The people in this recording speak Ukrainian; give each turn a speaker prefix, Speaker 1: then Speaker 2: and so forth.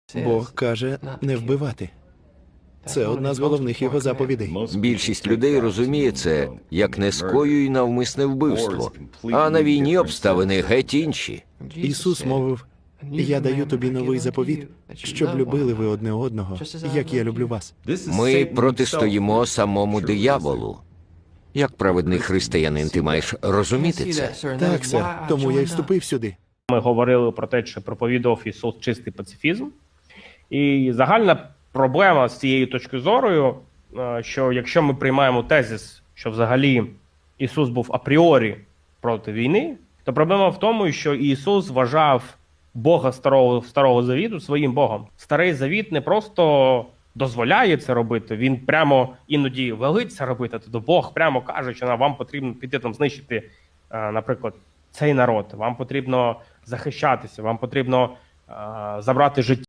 Speaker 1: Бог каже не вбивати. Це одна з головних його заповідей.
Speaker 2: Більшість людей розуміє це як не скоюй навмисне вбивство, а на війні обставини геть інші.
Speaker 1: Ісус мовив, «Я даю тобі новий заповіт, щоб любили ви одне одного, як я люблю вас».
Speaker 2: Ми протистоїмо самому дияволу. Як праведний християнин ти маєш розуміти це?
Speaker 1: Так, сер, тому я й вступив сюди.
Speaker 3: Ми говорили про те, що проповідував Ісус чистий пацифізм. І загальна проблема з цією точкою зору, що якщо ми приймаємо тезис, що взагалі Ісус був апріорі проти війни, то проблема в тому, що Ісус вважав Бога Старого Завіту своїм Богом. Старий Завіт не просто дозволяє це робити, він прямо іноді велить це робити, тобто Бог прямо каже, що вам потрібно піти там знищити, наприклад, цей народ, вам потрібно захищатися, вам потрібно забрати життя.